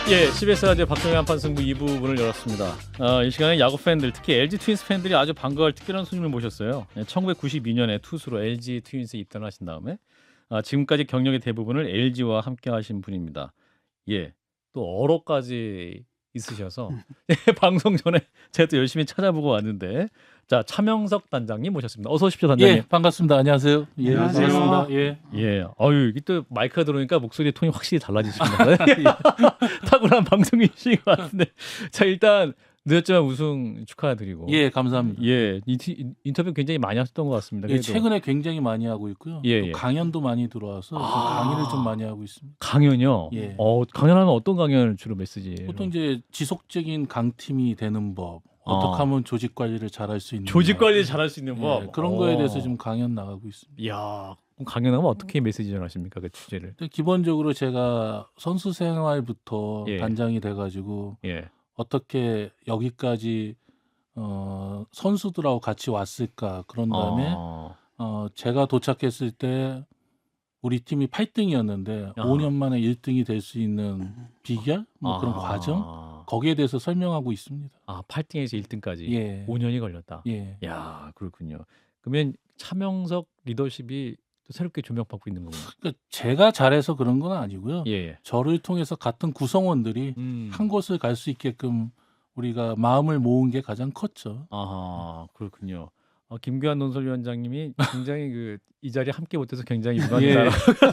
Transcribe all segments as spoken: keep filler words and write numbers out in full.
예, 씨비에스 라디오 박정희 한판 승부 이 부 문을 열었습니다. 어, 이 시간에 야구 팬들, 특히 엘지 트윈스 팬들이 아주 반가워할 특별한 손님을 모셨어요. 예, 천구백구십이 년에 투수로 엘지 트윈스에 입단하신 다음에 아, 지금까지 경력의 대부분을 엘지와 함께 하신 분입니다. 예, 또 어로까지 있으셔서 예, 방송 전에 제가 또 열심히 찾아보고 왔는데, 자, 차명석 단장님 모셨습니다. 어서 오십시오, 단장님. 예, 반갑습니다. 안녕하세요. 예, 안녕하세요. 반갑습니다. 예. 예, 어유 이게 또 마이크가 들어오니까 목소리 톤이 확실히 달라지십니다. 탁월한 방송이신 것 같은데, 자, 일단 늦었지만 우승 축하드리고. 예, 감사합니다. 예, 이, 인터뷰 굉장히 많이 하셨던 것 같습니다. 예, 그래도 최근에 굉장히 많이 하고 있고요. 예, 또 예. 강연도 많이 들어와서 좀 아. 강의를 좀 많이 하고 있습니다. 강연요. 예. 어, 강연하면 어떤 강연을 주로 메시지예요? 보통 이제 지속적인 강팀이 되는 법, 어떻게 아. 하면 조직 관리를 잘할 수 있는 조직 법, 관리 잘할 수 있는 예, 법. 그런 어. 거에 대해서 지금 강연 나가고 있습니다. 이야, 그럼 강연하면 어떻게 메시지 전하십니까, 그 주제를? 근데 기본적으로 제가 선수 생활부터 예. 단장이 돼가지고 예. 어떻게 여기까지 어, 선수들하고 같이 왔을까, 그런 다음에 어. 어, 제가 도착했을 때 우리 팀이 팔 등이었는데 아. 오 년 만에 일 등이 될 수 있는 비결? 뭐 그런 아. 과정? 거기에 대해서 설명하고 있습니다. 아, 팔 등에서 일 등까지 예. 오 년이 걸렸다. 예. 야, 그렇군요. 그러면 차명석 리더십이 또 새롭게 조명받고 있는 거군요. 그러니까 제가 잘해서 그런 건 아니고요. 예. 예. 저를 통해서 같은 구성원들이 음. 한 곳을 갈 수 있게끔 우리가 마음을 모은 게 가장 컸죠. 아하, 그렇군요. 어, 김규환 논설위원장님이 굉장히 그 이 자리에 함께 못해서 굉장히 예. 유감이다.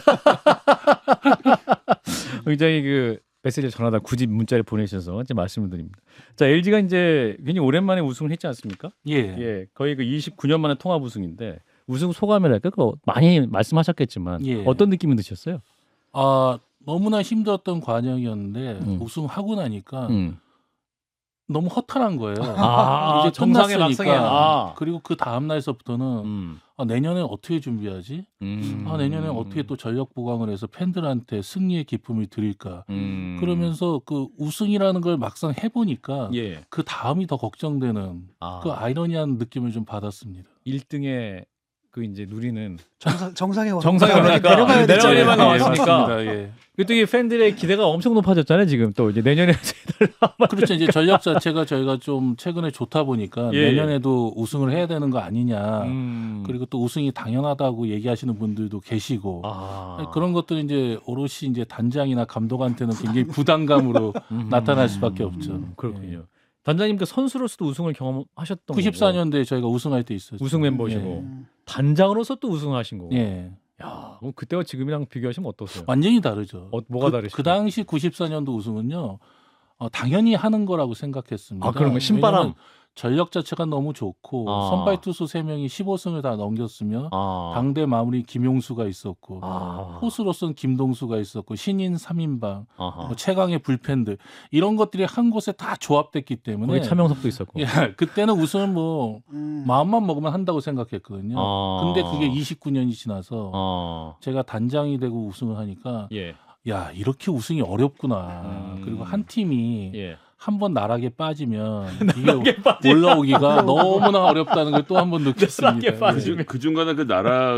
굉장히 그 메시지를 전하다 굳이 문자를 보내셔서 이제 말씀을 드립니다. 자, 엘지가 이제 굉장히 오랜만에 우승을 했지 않습니까? 예. 예, 거의 그 이십구 년 만에 통합 우승인데 우승 소감이랄까 그거 많이 말씀하셨겠지만 예. 어떤 느낌이 드셨어요? 아, 너무나 힘들었던 과정이었는데 음. 우승하고 나니까 음. 너무 허탈한 거예요. 아, 이제 정상의 끝났으니까. 막상에. 아. 그리고 그 다음 날서부터는 음. 아, 내년에 어떻게 준비하지? 음. 아, 내년에 어떻게 또 전력 보강을 해서 팬들한테 승리의 기쁨을 드릴까? 음. 그러면서 그 우승이라는 걸 막상 해보니까 예. 그 다음이 더 걱정되는 아. 그 아이러니한 느낌을 좀 받았습니다. 일 등에 그 이제 누리는 정상 정상에 와- 정상에 오르니까 내려가야 되죠. 내려가야만 예, 나왔으니까. 맞습니다. 예. 그때 이 팬들의 기대가 엄청 높아졌잖아요. 지금 또 이제 내년에 그렇죠. 이제 전력 자체가 저희가 좀 최근에 좋다 보니까 예, 예. 내년에도 우승을 해야 되는 거 아니냐. 음. 그리고 또 우승이 당연하다고 얘기하시는 분들도 계시고 아. 그런 것들은 이제 오롯이 이제 단장이나 감독한테는 굉장히 부담감으로 음. 나타날 수밖에 없죠. 음, 그렇군요. 단장님도 선수로서도 우승을 경험하셨던 구십사 거고. 년대에 저희가 우승할 때 있었죠. 우승 멤버시고 음. 단장으로서 또 우승하신 거고. 예. 예. 야, 그럼 그때와 지금이랑 비교하시면 어떠세요? 완전히 다르죠. 어, 뭐가 그, 다르시죠? 그 당시 구십사 년도 우승은요. 어, 당연히 하는 거라고 생각했습니다. 아, 그런 거 신바람. 왜냐면 전력 자체가 너무 좋고 아. 선발 투수 세 명이 십오 승을 다 넘겼으며 아. 당대 마무리 김용수가 있었고 아. 포수로서는 김동수가 있었고 신인 삼 인방 아하. 뭐 최강의 불펜들 이런 것들이 한 곳에 다 조합됐기 때문에 거기 차명석도 있었고. 예, 그때는 우승은 뭐 음. 마음만 먹으면 한다고 생각했거든요. 아. 근데 그게 이십구 년이 지나서 아. 제가 단장이 되고 우승을 하니까 예. 야 이렇게 우승이 어렵구나. 음. 그리고 한 팀이 예. 한 번 나락에 빠지면 이게 올라오기가 너무나 어렵다는 걸 또 한 번 느꼈습니다. 나락에 빠지면. 예. 그 중간에 그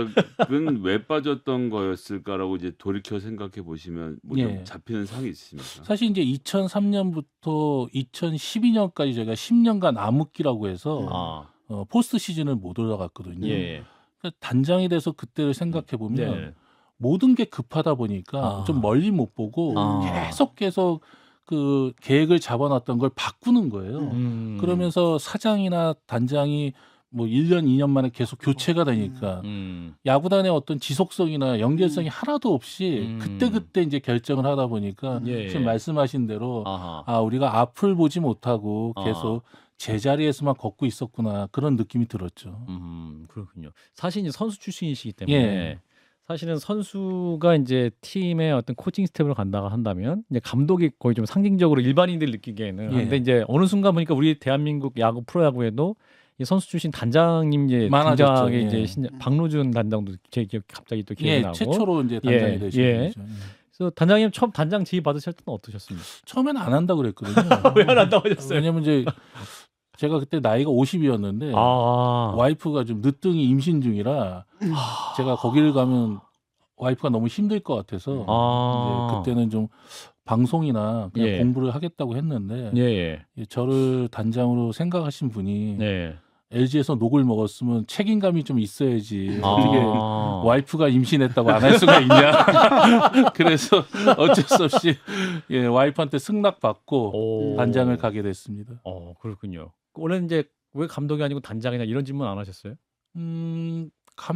나락은 왜 빠졌던 거였을까라고 이제 돌이켜 생각해 보시면 뭐 좀 예. 잡히는 상이 있습니까? 사실 이제 이천삼 년부터 이천십이 년까지 저희가 십 년간 암흑기라고 해서 아. 어, 포스트 시즌을 못 올라갔거든요. 예. 그러니까 단장이 돼서 그때를 생각해 보면 네. 모든 게 급하다 보니까 아. 좀 멀리 못 보고 아. 계속 계속 그 계획을 잡아놨던 걸 바꾸는 거예요. 음. 그러면서 사장이나 단장이 뭐 일 년, 이 년 만에 계속 교체가 되니까 음. 야구단의 어떤 지속성이나 연결성이 하나도 없이 음. 그때그때 이제 결정을 하다 보니까 예. 지금 말씀하신 대로 아하. 아, 우리가 앞을 보지 못하고 아. 계속 제자리에서만 걷고 있었구나 그런 느낌이 들었죠. 음, 그렇군요. 사실 이제 선수 출신이시기 때문에 예. 사실은 선수가 이제 팀의 어떤 코칭 스텝으로 간다고 한다면 이제 감독이 거의 좀 상징적으로 일반인들 느끼기에는 예. 근데 이제 어느 순간 보니까 우리 대한민국 야구 프로야구에도 이 선수 출신 단장님 이제 많아졌죠. 등장하게 예. 이제 신, 박노준 단장도 제 기억 갑자기 또 기억이 예, 나고. 최초로 이제 단장이 예, 되신 예. 거죠. 예. 그래서 단장님 처음 단장 지휘 받으실 때는 어떠셨습니까? 처음에는 안 한다고 그랬거든요. 왜 안 한다고 하셨어요? 왜냐면 이제 제가 그때 나이가 오십이었는데 아, 와이프가 좀 늦둥이 임신 중이라 제가 거기를 가면 와이프가 너무 힘들 것 같아서 아. 이제 그때는 좀 방송이나 그냥 예. 공부를 하겠다고 했는데 예, 예. 예, 저를 단장으로 생각하신 분이 네. 엘지에서 녹을 먹었으면 책임감이 좀 있어야지 아. 어떻게 와이프가 임신했다고 안 할 수가 있냐. 그래서 어쩔 수 없이 예, 와이프한테 승낙 받고 오. 단장을 가게 됐습니다. 어, 그렇군요. 원래 이제 왜 감독이 아니고 단장이냐 이런 질문 안 하셨어요? 음,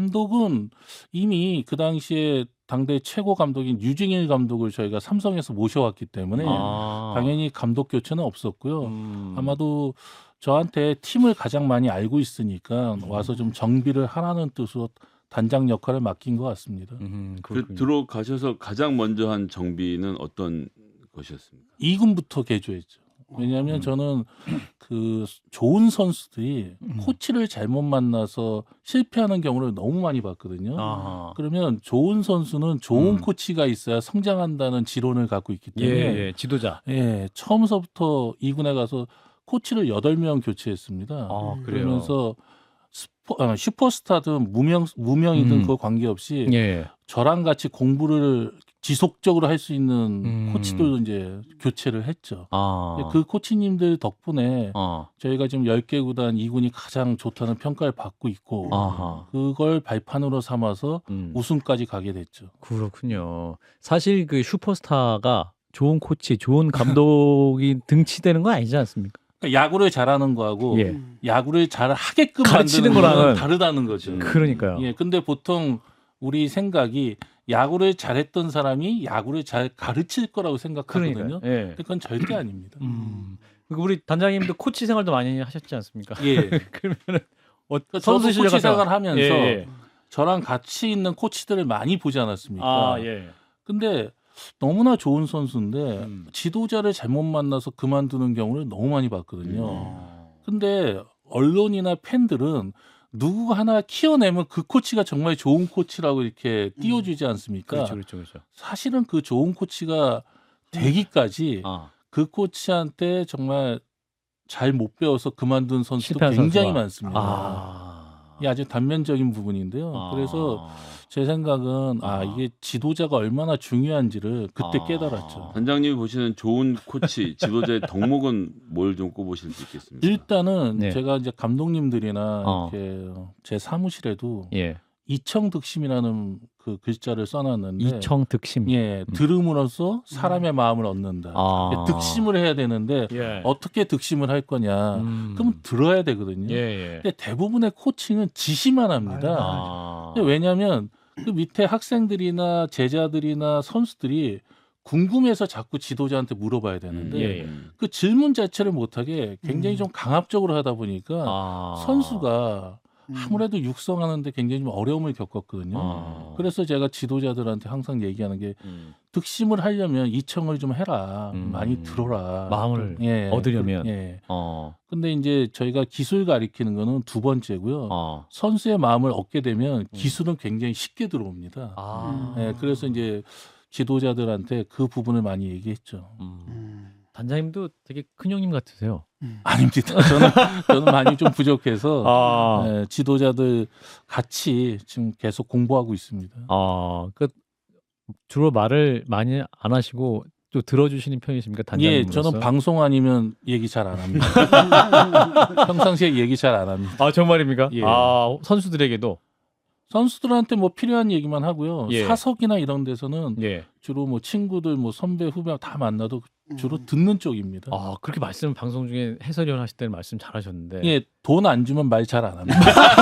감독은 이미 그 당시에 당대 최고 감독인 유징일 감독을 저희가 삼성에서 모셔왔기 때문에 아. 당연히 감독 교체는 없었고요. 음. 아마도 저한테 팀을 가장 많이 알고 있으니까 와서 좀 정비를 하라는 뜻으로 단장 역할을 맡긴 것 같습니다. 음, 그 그렇군요. 들어가셔서 가장 먼저 한 정비는 어떤 것이었습니까? 이 군부터 개조했죠. 왜냐하면 음. 저는 그 좋은 선수들이 음. 코치를 잘못 만나서 실패하는 경우를 너무 많이 봤거든요. 아하. 그러면 좋은 선수는 좋은 음. 코치가 있어야 성장한다는 지론을 갖고 있기 예, 때문에 예, 지도자. 예, 처음서부터 이 군에 가서 코치를 여덟 명 교체했습니다. 아, 그래요. 그러면서 스포, 아, 슈퍼스타든 무명 무명이든 음. 그거 관계없이 예. 저랑 같이 공부를 지속적으로 할 수 있는 음. 코치들도 이제 교체를 했죠. 아. 그 코치님들 덕분에 어. 저희가 지금 열 개 구단 이 군이 가장 좋다는 평가를 받고 있고 아하. 그걸 발판으로 삼아서 음. 우승까지 가게 됐죠. 그렇군요. 사실 그 슈퍼스타가 좋은 코치, 좋은 감독이 등치되는 건 아니지 않습니까? 그러니까 야구를 잘하는 거하고 예. 야구를 잘 하게끔 가르치는 만드는 거랑은 거는 다르다는 거죠. 음. 그러니까요. 예, 근데 보통 우리 생각이 야구를 잘했던 사람이 야구를 잘 가르칠 거라고 생각하거든요. 그러니까요. 예. 그건 절대 아닙니다. 음. 그리고 우리 단장님도 코치 생활도 많이 하셨지 않습니까? 예. 그러면은 어, 저도 선수 실력 코치 같은 거- 생활 하면서 예, 예. 저랑 같이 있는 코치들을 많이 보지 않았습니까? 아, 예. 근데 너무나 좋은 선수인데 음. 지도자를 잘못 만나서 그만두는 경우를 너무 많이 봤거든요. 어. 근데 언론이나 팬들은 누구 하나 키워내면 그 코치가 정말 좋은 코치라고 이렇게 띄워주지 않습니까? 그렇죠, 그렇죠, 그렇죠. 사실은 그 좋은 코치가 되기까지 아, 그 코치한테 정말 잘 못 배워서 그만둔 선수도 실패한 굉장히 선수가. 많습니다. 아. 이게 아주 단면적인 부분인데요. 아. 그래서 제 생각은 아 아. 이게 지도자가 얼마나 중요한지를 그때 아. 깨달았죠. 단장님이 보시는 좋은 코치, 지도자의 덕목은 뭘 좀 꼽으실 수 있겠습니까? 일단은 네. 제가 이제 감독님들이나 어. 이렇게 제 사무실에도 예. 이청득심이라는 그 글자를 써놨는데 이청득심. 예 들음으로써 사람의 마음을 얻는다. 아. 득심을 해야 되는데 예. 어떻게 득심을 할 거냐? 음. 그럼 들어야 되거든요. 예, 예. 근데 대부분의 코칭은 지시만 합니다. 아. 근데 왜냐하면 그 밑에 학생들이나 제자들이나 선수들이 궁금해서 자꾸 지도자한테 물어봐야 되는데 예, 예. 음. 그 질문 자체를 못하게 굉장히 음. 좀 강압적으로 하다 보니까 아. 선수가 음. 아무래도 육성하는데 굉장히 좀 어려움을 겪었거든요. 아. 그래서 제가 지도자들한테 항상 얘기하는 게 음. 득심을 하려면 이청을 좀 해라. 음. 많이 들어라. 마음을 예. 얻으려면. 예. 어. 근데 이제 저희가 기술 가리키는 거는 두 번째고요. 어. 선수의 마음을 얻게 되면 기술은 굉장히 쉽게 들어옵니다. 아. 예, 그래서 이제 지도자들한테 그 부분을 많이 얘기했죠. 음. 음. 단장님도 되게 큰 형님 같으세요. 음. 아닙니다. 저는 저는 많이 좀 부족해서 아. 예, 지도자들 같이 지금 계속 공부하고 있습니다. 아, 그 주로 말을 많이 안 하시고 또 들어주시는 편이십니까, 예, 단장님으로서? 저는 방송 아니면 얘기 잘 안 합니다. 평상시에 얘기 잘 안 합니다. 아, 정말입니까? 예. 아, 선수들에게도. 선수들한테 뭐 필요한 얘기만 하고요. 예. 사석이나 이런 데서는 예. 주로 뭐 친구들, 뭐 선배, 후배 다 만나도 주로 음. 듣는 쪽입니다. 아, 그렇게 말씀 방송 중에 해설위원 하실 때는 말씀 잘하셨는데. 예, 돈 안 주면 말 잘 안 합니다.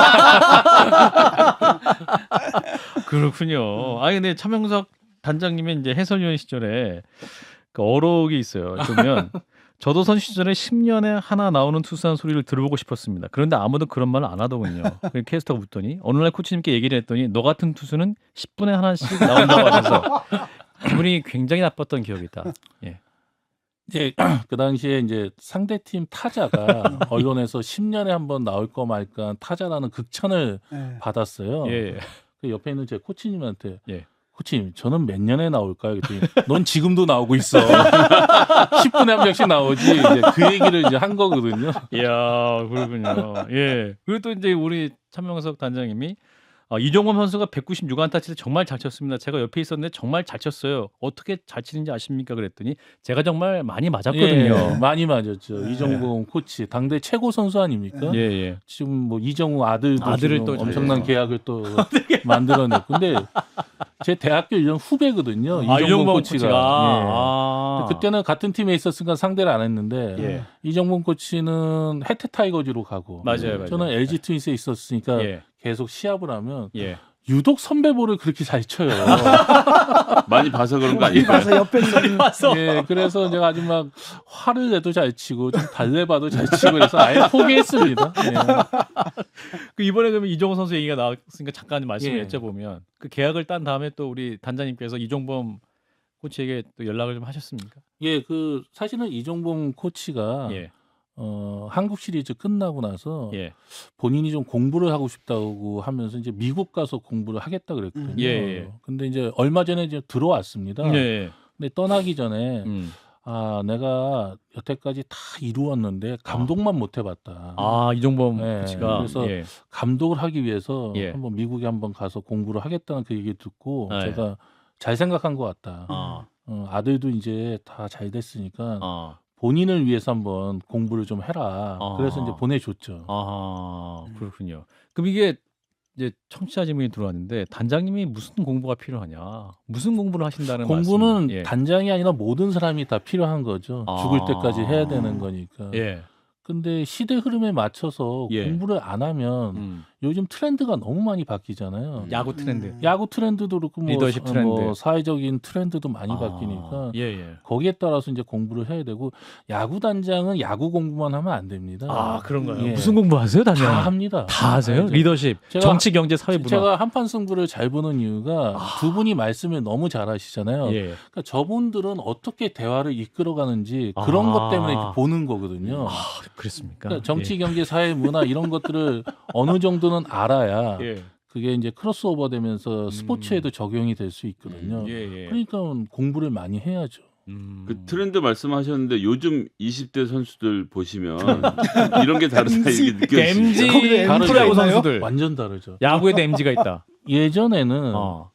그렇군요. 아니 근데 차명석 단장님의 이제 해설위원 시절에 그 어록이 있어요. 보면 저도 선수 시절에 십 년에 하나 나오는 투수한 소리를 들어보고 싶었습니다. 그런데 아무도 그런 말을 안 하더군요. 그 캐스터가 묻더니 어느 날 코치님께 얘기를 했더니 너 같은 투수는 십 분에 하나씩 나온다고 하셔서 기분이 굉장히 나빴던 기억이 있다. 예. 이제 그 당시에 이제 상대팀 타자가 언론에서 십 년에 한 번 나올 거 말까 타자라는 극찬을 네. 받았어요. 예. 그 옆에 있는 제 코치님한테 예. 코치님 저는 몇 년에 나올까요? 그랬더니 넌 지금도 나오고 있어. 십 분에 한 명씩 나오지. 이제 그 얘기를 이제 한 거거든요. 이야, 그렇군요. 예. 그리고 또 이제 우리 차명석 단장님이 어, 이종범 선수가 백구십육 안타 칠 때 정말 잘 쳤습니다. 제가 옆에 있었는데 정말 잘 쳤어요. 어떻게 잘 치는지 아십니까? 그랬더니 제가 정말 많이 맞았거든요. 예, 많이 맞았죠. 네. 이정범 코치 당대 최고 선수 아닙니까? 예, 예. 지금 뭐 이정우 아들도 아들을 지금 또 엄청난 잘- 계약을 또 만들어냈고, 근데 제 대학교 일 년 후배거든요. 아, 이정범 코치가. 예. 아. 그때는 같은 팀에 있었으니까 상대를 안 했는데 예. 이정범 코치는 해태 타이거즈로 가고 맞아요, 맞아요. 저는 엘지 트윈스에 있었으니까 예. 계속 시합을 하면 예. 유독 선배볼을 그렇게 잘 쳐요. 많이 봐서 그런 거 많이 아닐까요? 봐서 옆에서 맞어. 예, 그래서 제가 아주 막 화를 내도 잘 치고 좀 달래봐도 잘 치고 그래서 아예 포기했습니다. 예. 그 이번에 그러면 이종범 선수 얘기가 나왔으니까 잠깐 말씀을 예. 여쭤보면 그 계약을 딴 다음에 또 우리 단장님께서 이종범 코치에게 또 연락을 좀 하셨습니까? 예, 그 사실은 이종범 코치가 예. 어, 한국 시리즈 끝나고 나서 예. 본인이 좀 공부를 하고 싶다고 하면서 이제 미국 가서 공부를 하겠다 그랬거든요. 예, 예. 근데 이제 얼마 전에 이제 들어왔습니다. 예. 근데 떠나기 전에 음. 아, 내가 여태까지 다 이루었는데 감독만 못 해봤다. 아, 이종범 네, 코치가 그래서 예. 감독을 하기 위해서 예. 한번 미국에 한번 가서 공부를 하겠다는 그 얘기 듣고 네. 제가 잘 생각한 것 같다. 아. 어, 아들도 이제 다 잘 됐으니까 아. 본인을 위해서 한번 공부를 좀 해라. 아. 그래서 이제 보내줬죠. 아, 그렇군요. 그럼 이게 이제 청취자 질문이 들어왔는데 단장님이 무슨 공부가 필요하냐? 무슨 공부를 하신다는 공부는 말씀? 예. 단장이 아니라 모든 사람이 다 필요한 거죠. 아. 죽을 때까지 해야 되는 거니까. 예. 근데 시대 흐름에 맞춰서 예. 공부를 안 하면 음. 요즘 트렌드가 너무 많이 바뀌잖아요. 야구 트렌드. 음. 야구 트렌드도 그렇고 뭐, 리더십 어, 트렌드. 뭐 사회적인 트렌드도 많이 아. 바뀌니까 예, 예. 거기에 따라서 이제 공부를 해야 되고 야구 단장은 야구 공부만 하면 안 됩니다. 아, 그런가요? 예. 무슨 공부하세요, 다 단장님? 합니다. 다 하세요? 알죠. 리더십, 제가- 정치, 경제, 사회, 문화. 제가 한판 승부를 잘 보는 이유가 두 분이 말씀을 너무 잘하시잖아요. 아. 예. 그러니까 저분들은 어떻게 대화를 이끌어가는지 그런 아. 것 때문에 이렇게 보는 거거든요. 아, 그랬습니까? 그러니까 정치, 경제, 사회, 문화 이런 것들을 어느 정도는 알아야 예. 그게 이제 크로스오버 되면서 스포츠에도 적용이 될 수 있거든요. 음, 예, 예. 그러니까 공부를 많이 해야죠. 음. 그 트렌드 말씀하셨는데 요즘 이십 대 선수들 보시면 이런 게 다르다 이게 느껴지시죠? 엠지 거기도 엠지가 프로야구 있나요? 선수들. 완전 다르죠. 야구에도 엠지가 있다. 예전에는 어.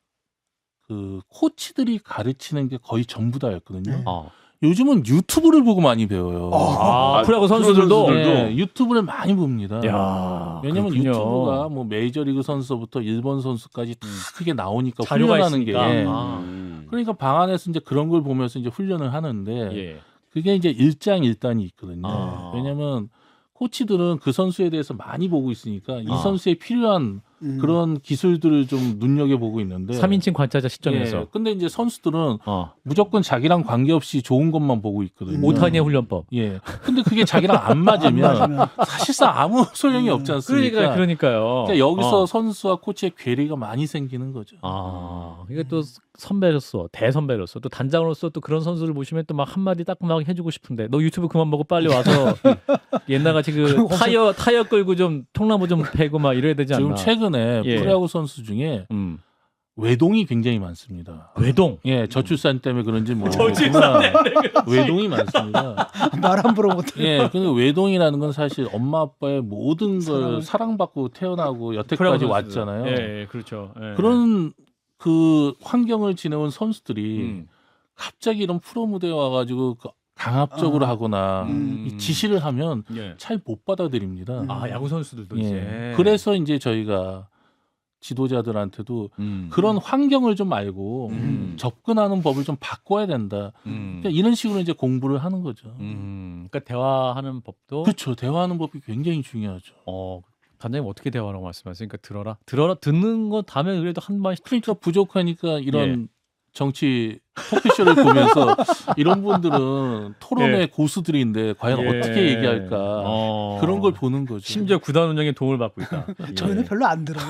그 코치들이 가르치는 게 거의 전부 다였거든요. 네. 어. 요즘은 유튜브를 보고 많이 배워요. 아, 아, 프로야구 프로 선수들도. 선수들도. 네, 유튜브를 많이 봅니다. 야, 왜냐면 그렇군요. 유튜브가 뭐 메이저리그 선수부터 일본 선수까지 다 음. 크게 나오니까 자료가 훈련하는 있으니까. 게 아. 음. 그러니까 방 안에서 이제 그런 걸 보면서 이제 훈련을 하는데 예. 그게 이제 일장일단이 있거든요. 아. 왜냐면 코치들은 그 선수에 대해서 많이 보고 있으니까 이 아. 선수에 필요한 음. 그런 기술들을 좀 눈여겨 보고 있는데. 삼인칭 관찰자 시점에서. 예, 근데 이제 선수들은 어. 무조건 자기랑 관계없이 좋은 것만 보고 있거든요. 오타니의 훈련법. 예. 근데 그게 자기랑 안 안 맞으면 맞으면. 사실상 아무 소용이 음. 없지 않습니까? 그러니까 그러니까요. 그러니까 여기서 어. 선수와 코치의 괴리가 많이 생기는 거죠. 아, 이게 또 선배로서 대선배로서 또 단장으로서 또 그런 선수를 보시면 또 막 한마디 따끔하게 해주고 싶은데 너 유튜브 그만 보고 빨리 와서 옛날같이 그 타이어 타이어 끌고 좀 통나무 좀 패고 막 이래야 되지 않나? 지금 최근에 예. 프로야구 선수 중에 음. 외동이 굉장히 많습니다. 외동. 예, 저출산 때문에 그런지 뭐 저출산 때문에 외동이 많습니다. 말 함부로 못해. 예, 근데 외동이라는 건 사실 엄마 아빠의 모든 걸 사랑을- 사랑받고 태어나고 여태까지 프로야구 선수들. 왔잖아요. 예, 예, 그렇죠. 예. 그런 그 환경을 지내온 선수들이 음. 갑자기 이런 프로 무대에 와가지고 그 강압적으로 아. 하거나 음. 이 지시를 하면 예. 잘 못 받아들입니다. 음. 아, 야구 선수들도 예. 이제. 그래서 이제 저희가 지도자들한테도 음. 그런 환경을 좀 알고 음. 접근하는 법을 좀 바꿔야 된다. 음. 그러니까 이런 식으로 이제 공부를 하는 거죠. 음. 그러니까 대화하는 법도 그렇죠. 대화하는 법이 굉장히 중요하죠. 어, 단장님 어떻게 대화라고 말씀하세요? 그러니까 들어라. 들어라 듣는 거 다음에 그래도 한 번씩 그러니까 부족하니까 이런 예. 정치 토크쇼를 보면서 이런 분들은 토론의 예. 고수들인데 과연 예. 어떻게 얘기할까 어. 그런 걸 보는 거죠. 심지어 구단 운영에 도움을 받고 있다. 저희는 예. 별로 안 들어요.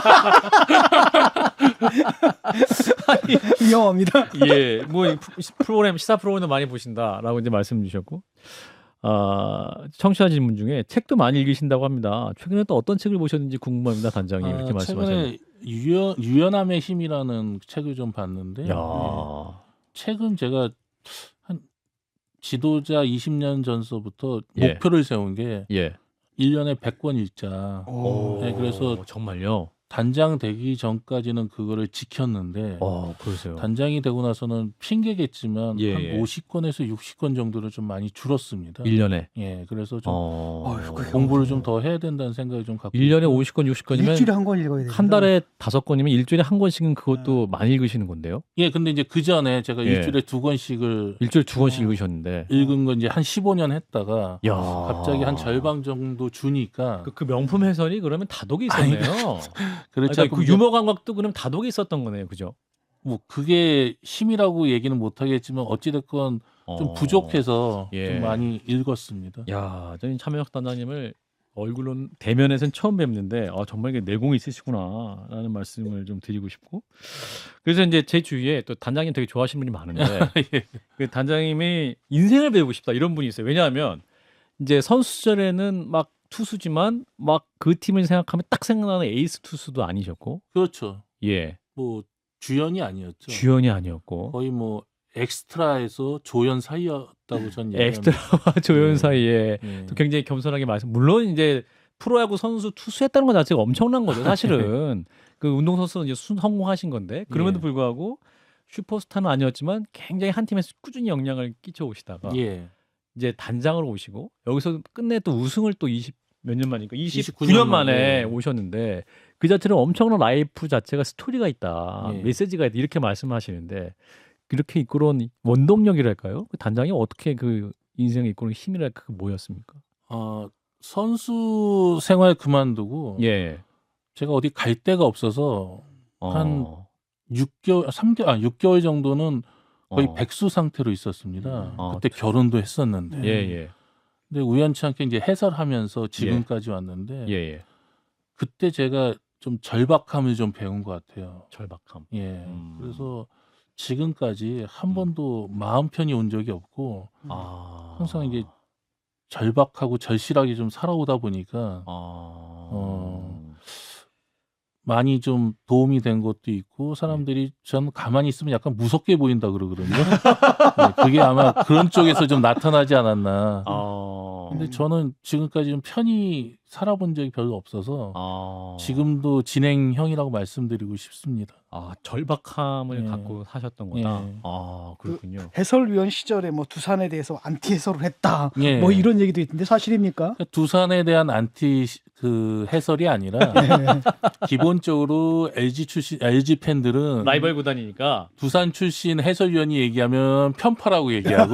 위험합니다. 예, 뭐 이 프로그램 시사 프로그램도 많이 보신다라고 이제 말씀 주셨고, 아 청취자 질문 중에 책도 많이 읽으신다고 합니다. 최근에 또 어떤 책을 보셨는지 궁금합니다, 단장님 아, 이렇게 말씀하셨는데. 최근에 유연, 유연함의 힘이라는 책을 좀 봤는데 야, 예. 책은 제가 한 지도자 이십 년 전서부터 예. 목표를 세운 게 예. 일 년에 백 권 읽자. 오. 네, 그래서 정말요. 단장 되기 전까지는 그거를 지켰는데 어, 그러세요. 단장이 되고 나서는 핑계겠지만 예, 한 예. 오십 건에서 육십 건 정도는 좀 많이 줄었습니다. 일 년에. 예, 그래서 좀 어. 어휴, 그래요. 공부를 좀 더 해야 된다는 생각이 좀 갖고 일 년에 있고요. 오십 건, 육십 건이면 일주일에 한 권 읽어야 돼요. 한 달에 다섯 건이면 일주일에 한 권씩은 그것도 많이 읽으시는 건데요. 예, 근데 이제 그 전에 제가 예. 일주일에 두 권씩을 일주일에 두 권씩 어. 읽으셨는데. 읽은 건 이제 한 십오 년 했다가 야. 갑자기 한 절반 정도 주니까 그, 그 명품 해설이 그러면 다독이 있었네요. 그렇지 아니, 않고 그 이제 유머 감각도 그럼 다독이 있었던 거네요. 그죠? 뭐 그게 힘이라고 얘기는 못 하겠지만 어찌 됐건 좀 어. 부족해서 예. 좀 많이 읽었습니다. 야, 저는 참여혁 단장님을 얼굴로 대면에서는 처음 뵙는데 아, 정말 이게 내공이 있으시구나라는 말씀을 좀 드리고 싶고 그래서 이제 제 주위에 또 단장님 되게 좋아하시는 분이 많은데 예. 그 단장님이 인생을 배우고 싶다 이런 분이 있어요. 왜냐하면 이제 선수 시절에는 막 투수지만 막 그 팀을 생각하면 딱 생각나는 에이스 투수도 아니셨고 그렇죠. 예 뭐 주연이 아니었죠. 주연이 아니었고 거의 뭐 엑스트라에서 조연 사이였다고 전 얘기합니다. 엑스트라와 조연 예. 사이에 예. 또 굉장히 겸손하게 말씀. 물론 이제 프로야구 선수 투수했다는 것 자체가 엄청난 거죠. 사실은 그 운동 선수는 이제 순 성공하신 건데 그럼에도 예. 불구하고 슈퍼스타는 아니었지만 굉장히 한 팀에서 꾸준히 영향을 끼쳐 오시다가 예. 이제 단장으로 오시고 여기서 끝내 또 우승을 또 이십 몇 년 만이니까 이십구 년 이십구 년 만에 만에. 오셨는데 그 자체는 엄청난 라이프 자체가 스토리가 있다, 예. 메시지가 있다 이렇게 말씀하시는데 그렇게 이끌어온 원동력이랄까요? 그 단장이 어떻게 그 인생을 이끌어온 힘이랄까 그 뭐였습니까? 어, 선수 생활 그만두고 예. 제가 어디 갈 데가 없어서 한 어. 육 개월, 삼 개월, 아, 육 개월 정도는 거의 어. 백수 상태로 있었습니다. 아, 그때 결혼도 했었는데. 예, 예. 근데 우연치 않게 이제 해설하면서 지금까지 왔는데 예, 예. 그때 제가 좀 절박함을 좀 배운 것 같아요. 절박함. 예. 음. 그래서 지금까지 한 음. 번도 마음 편히 온 적이 없고 아. 항상 이게 절박하고 절실하게 좀 살아오다 보니까 아. 어. 많이 좀 도움이 된 것도 있고 사람들이 전 가만히 있으면 약간 무섭게 보인다 그러거든요. 네, 그게 아마 그런 쪽에서 좀 나타나지 않았나. 아. 근데 저는 지금까지 좀 편히 살아본 적이 별로 없어서 아. 지금도 진행형이라고 말씀드리고 싶습니다. 아, 절박함을 예. 갖고 사셨던 거다. 예. 아, 그렇군요. 해설위원 시절에 뭐 두산에 대해서 안티 해설을 했다. 예. 뭐 이런 얘기도 있던데 사실입니까? 그러니까 두산에 대한 안티 시- 그 해설이 아니라 네. 기본적으로 엘지 출신 엘지 팬들은 라이벌 구단이니까. 두산 출신 해설위원이 얘기하면 편파라고 얘기하고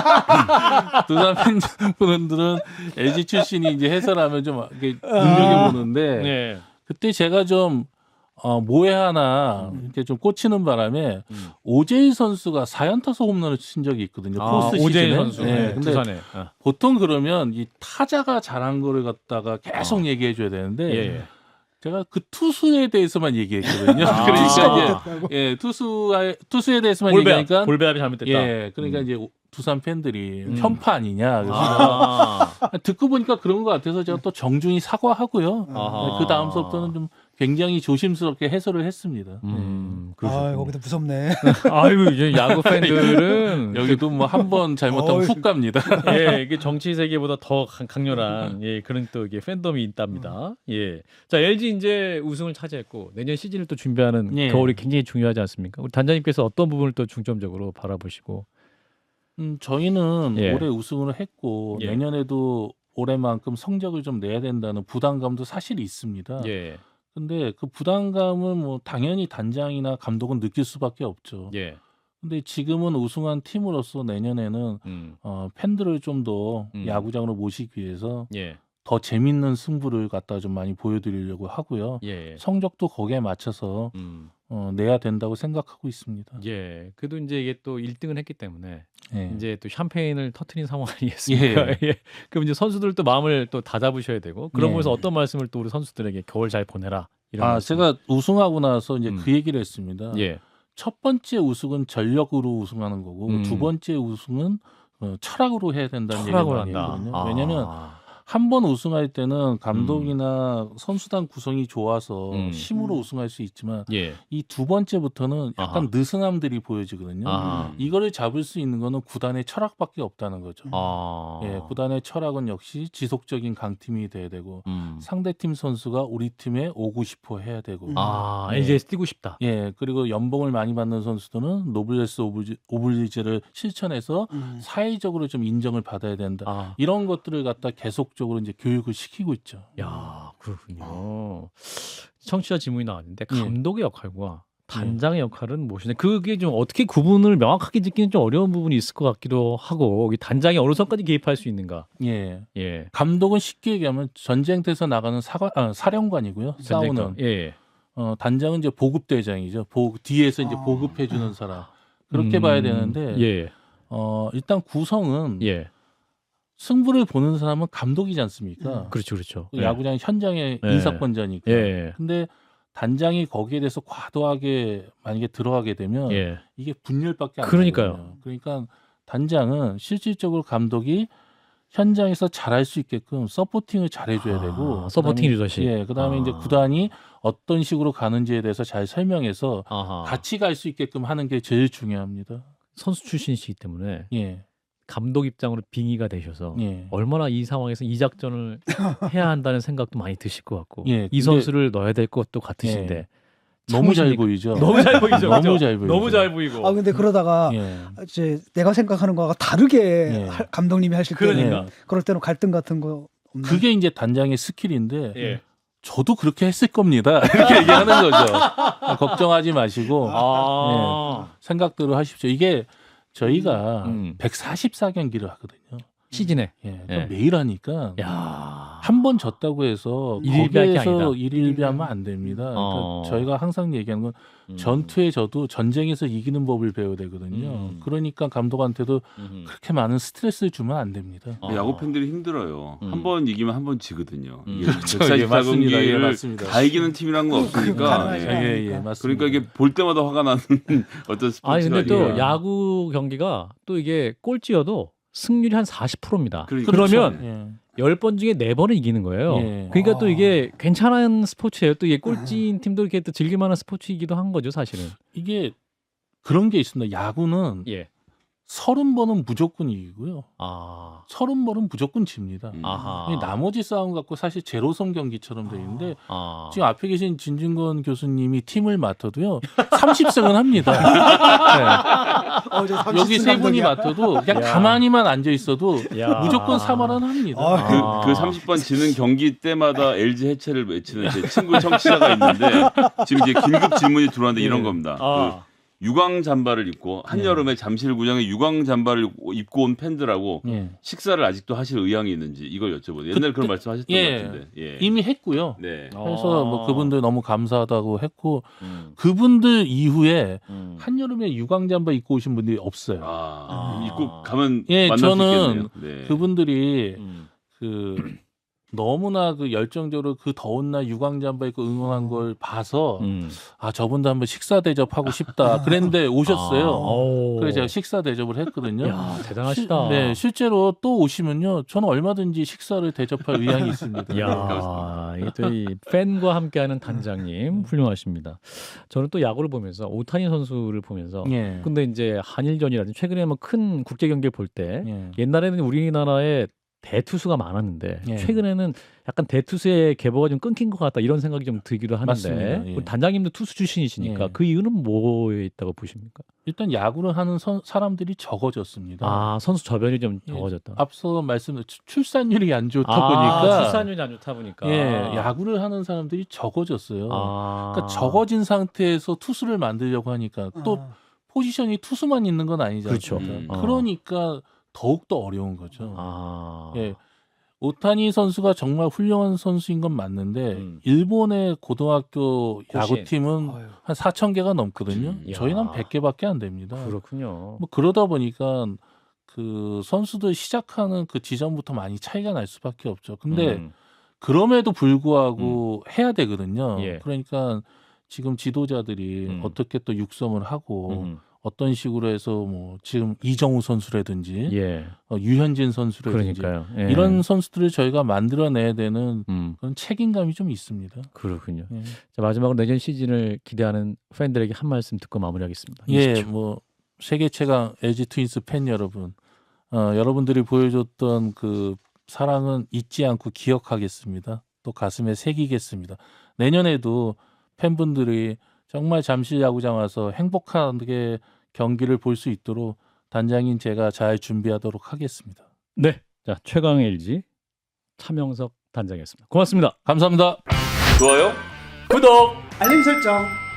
두산 팬분들은 엘지 출신이 이제 해설하면 좀 이렇게 눈여겨 보는데 네. 그때 제가 좀 어, 뭐에 하나 이렇게 좀 꽂히는 바람에 음. 오제일 선수가 사연타석 홈런을 친 적이 있거든요. 아, 포스트 오재일 시즌에. 선수. 네, 네, 근데 두산에. 아. 보통 그러면 이 타자가 잘한 거를 갖다가 계속 얘기해 줘야 되는데 예, 예. 제가 그 투수에 대해서만 얘기했거든요. 아. 그러니까 못했다고. 이제 예, 투수가 투수에 대해서만 볼배합, 얘기하니까 볼배합이 잘못됐다. 예, 그러니까 음. 이제 오- 두산 팬들이 음. 편파 아니냐. 그래서 아. 듣고 보니까 그런 것 같아서 제가 또 정중히 사과하고요. 아하. 그 다음서부터는 좀 굉장히 조심스럽게 해설을 했습니다. 음, 아, 그러셨군요. 거기도 무섭네. 아유, 이제 야구 팬들은 예. 여기도 뭐 한 번 잘못하면 어이. 훅 갑니다. 예, 이게 정치 세계보다 더 강- 강렬한 예, 그런 또 이게 팬덤이 있답니다. 예. 자, 엘지 이제 우승을 차지했고 내년 시즌을 또 준비하는 예. 겨울이 굉장히 중요하지 않습니까? 우리 단장님께서 어떤 부분을 또 중점적으로 바라보시고 음, 저희는 예. 올해 우승을 했고 예. 내년에도 올해만큼 성적을 좀 내야 된다는 부담감도 사실 있습니다. 예. 근데 그 부담감은 뭐 당연히 단장이나 감독은 느낄 수밖에 없죠. 예. 근데 지금은 우승한 팀으로서 내년에는 음. 어, 팬들을 좀 더 음. 야구장으로 모시기 위해서 예. 더 재밌는 승부를 갖다 좀 많이 보여드리려고 하고요. 예. 성적도 거기에 맞춰서 음. 어, 내야 된다고 생각하고 있습니다. 예. 그래도 이제 이게 또 일 등을 했기 때문에 예. 이제 또 샴페인을 터트린 상황 아니겠습니까? 예. 그럼 이제 선수들도 마음을 또 다잡으셔야 되고 그런 예. 곳에서 어떤 말씀을 또 우리 선수들에게 겨울 잘 보내라 이런 아, 말씀. 제가 우승하고 나서 이제 음. 그 얘기를 했습니다. 예. 첫 번째 우승은 전력으로 우승하는 거고 음. 두 번째 우승은 어, 철학으로 해야 된다는 얘기를 철학을 많이 한다. 했거든요. 아. 왜냐하면 한 번 우승할 때는 감독이나 선수단 구성이 좋아서 음. 힘으로 음. 우승할 수 있지만 예. 이 두 번째부터는 약간 아하. 느슨함들이 보여지거든요. 아하. 이거를 잡을 수 있는 거는 구단의 철학밖에 없다는 거죠. 음. 아. 예, 구단의 철학은 역시 지속적인 강팀이 돼야 되고 음. 상대팀 선수가 우리 팀에 오고 싶어 해야 되고 음. 아, 예. 엘지에서 뛰고 싶다. 예, 그리고 연봉을 많이 받는 선수들은 노블레스 오블리, 오블리제를 실천해서 음. 사회적으로 좀 인정을 받아야 된다. 아. 이런 것들을 갖다 계속적으로 이제 교육을 시키고 있죠. 야, 그렇군요. 청취자 질문이 나왔는데 예. 감독의 역할과 단장의 역할은 무엇이냐? 그게 좀 어떻게 구분을 명확하게 짓기는 좀 어려운 부분이 있을 것 같기도 하고 이 단장이 어느 선까지 개입할 수 있는가? 예. 예. 감독은 쉽게 얘기하면 전쟁터에서 나가는 사관, 아, 사령관이고요. 싸우는. 전쟁터. 예. 어, 단장은 이제 보급대장이죠. 보, 뒤에서 이제 아. 보급해주는 사람. 그렇게 음, 봐야 되는데, 예. 어, 일단 구성은 예. 승부를 보는 사람은 감독이지 않습니까? 음. 그렇죠, 그렇죠. 그 야구장 현장의 예. 인사권자니까. 예. 근데 단장이 거기에 대해서 과도하게 만약에 들어가게 되면 예. 이게 분열밖에 안 그러니까요. 나거든요. 그러니까 단장은 실질적으로 감독이 현장에서 잘할 수 있게끔 서포팅을 잘해줘야 아, 되고, 서포팅 그다음에- 리더십. 예, 그다음에 아. 이제 구단이 어떤 식으로 가는지에 대해서 잘 설명해서 아하. 같이 갈 수 있게끔 하는 게 제일 중요합니다. 선수 출신이시기 때문에 예, 감독 입장으로 빙의가 되셔서 예. 얼마나 이 상황에서 이 작전을 해야 한다는 생각도 많이 드실 것 같고 예, 이 근데- 선수를 넣어야 될 것도 같으신데 예. 너무 잘 참으십니까? 보이죠. 너무 잘 보이죠. 너무 그죠? 잘 보이죠. 너무 잘 보이고. 아 근데 그러다가 예. 이제 내가 생각하는 거와 다르게 예. 할- 감독님이 하실 때는 그러니까. 그럴 때는 갈등 같은 거 없나요? 그게 이제 단장의 스킬인데 예. 저도 그렇게 했을 겁니다. 이렇게 얘기하는 거죠. 걱정하지 마시고 아. 생각대로 하십시오. 이게 저희가 음. 백사십사 경기를 하거든요. 시즌에. 예, 예. 매일 하니까 야. 한 번 졌다고 해서 일일비할 게 아니다. 거기에서 일일비하면 안 됩니다. 그러니까 어. 저희가 항상 얘기하는 건 음. 전투에 져도 전쟁에서 이기는 법을 배워야 되거든요. 음. 그러니까 감독한테도 음. 그렇게 많은 스트레스를 주면 안 됩니다. 어. 야구 팬들이 힘들어요. 음. 한 번 이기면 한 번 지거든요. 음. 이게 그렇죠. 예, 백사십사 맞습니다. 예, 경기를 맞습니다. 다 이기는 팀이란 건 없으니까. 가능하지 예. 예, 예, 않으니까. 맞습니다. 그러니까 이게 볼 때마다 화가 나는 어떤 스포츠가 아니 근데 또 아니라. 야구 경기가 또 이게 꼴찌여도 승률이 한 사십 퍼센트입니다. 그러니까. 그러면 예. 열 번 중에 네 번은 이기는 거예요. 예. 그러니까 또 아. 이게 괜찮은 스포츠예요. 또 이게 꼴찌인 팀도 이렇게 또 즐길만한 스포츠이기도 한 거죠, 사실은. 이게 그런 게 있습니다. 야구는 예. 서른 번은 무조건 이기고요. 아. 서른 번은 무조건 집니다. 음. 아하. 이 나머지 싸움 갖고 사실 제로섬 경기처럼 돼 있는데 아. 지금 앞에 계신 진중권 교수님이 팀을 맡아도요 삼십 승은 합니다. 어, 이제 네. 삼십 여기 승 세 분이 감독이야. 맡아도 그냥 야. 가만히만 앉아 있어도 야. 무조건 삼 할은 합니다. 아, 그, 아. 그 삼십 번 지는 경기 때마다 엘지 해체를 외치는 제 친구 청취자가 있는데 지금 이제 긴급 질문이 들어왔는데 이런 예. 겁니다. 아. 그 유광 잠바를 입고 한여름에 잠실구장에 유광 잠바를 입고- 입고 온 팬들하고 예. 식사를 아직도 하실 의향이 있는지 이걸 여쭤보세요. 옛날 그런 말씀하셨던 예. 것 같은데. 예. 이미 했고요. 네. 그래서 뭐 그분들 너무 감사하다고 했고 음. 그분들 이후에 음. 한여름에 유광잠바 입고 오신 분들이 없어요. 아, 아. 입고 가면 예, 만날 저는 수 있겠네요. 네. 그분들이 음. 그 너무나 그 열정적으로 그 더운 날 유광잠바 입고 응원한 걸 봐서 음. 아 저분도 한번 식사 대접하고 싶다 그랬는데 오셨어요. 아. 오. 그래서 제가 식사 대접을 했거든요. 야, 대단하시다. 시- 네, 실제로 또 오시면요, 저는 얼마든지 식사를 대접할 의향이 있습니다. 야, 이게 또 이 팬과 함께하는 단장님 훌륭하십니다. 저는 또 야구를 보면서 오타니 선수를 보면서 예. 근데 이제 한일전이라든지 최근에 뭐 큰 국제 경기를 볼 때 예. 옛날에는 우리나라에 대투수가 많았는데 예. 최근에는 약간 대투수의 계보가 좀 끊긴 것 같다 이런 생각이 좀 들기도 하는데 맞습니다. 예. 우리 단장님도 투수 출신이시니까 예. 그 이유는 뭐에 있다고 보십니까? 일단 야구를 하는 선- 사람들이 적어졌습니다. 아 선수 저변이 좀 예. 적어졌다. 앞서 말씀드린 출산율이 안 좋다 아, 보니까 출산율이 안 좋다 보니까 예, 야구를 하는 사람들이 적어졌어요. 아. 그러니까 적어진 상태에서 투수를 만들려고 하니까 또 아. 포지션이 투수만 있는 건 아니지 그렇죠. 않습니까? 음. 어. 그러니까 더욱 더 어려운 거죠. 아. 예. 오타니 선수가 정말 훌륭한 선수인 건 맞는데 음. 일본의 고등학교 고시엔. 야구팀은 아유. 한 사천 개가 넘거든요. 음. 저희는 야. 한 백 개밖에 안 됩니다. 그렇군요. 뭐 그러다 보니까 그 선수들 시작하는 그 지점부터 많이 차이가 날 수밖에 없죠. 근데 음. 그럼에도 불구하고 해야 되거든요. 예. 그러니까 지금 지도자들이 음. 어떻게 또 육성을 하고 음. 어떤 식으로 해서 뭐 지금 이정우 선수라든지 예. 어, 유현진 선수라든지 그러니까요. 예. 이런 선수들을 저희가 만들어내야 되는 음, 그런 책임감이 좀 있습니다. 그렇군요. 예, 자, 마지막으로 내년 시즌을 기대하는 팬들에게 한 말씀 듣고 마무리하겠습니다. 예, 이십 초. 뭐 세계 최강 엘지 트윈스 팬 여러분, 어, 여러분들이 보여줬던 그 사랑은 잊지 않고 기억하겠습니다. 또 가슴에 새기겠습니다. 내년에도 팬분들이 정말 잠실 야구장 와서 행복하게 경기를 볼 수 있도록 단장인 제가 잘 준비하도록 하겠습니다. 네. 자, 최강 엘지 차명석 단장이었습니다. 고맙습니다. 감사합니다. 좋아요. 구독. 알림 설정.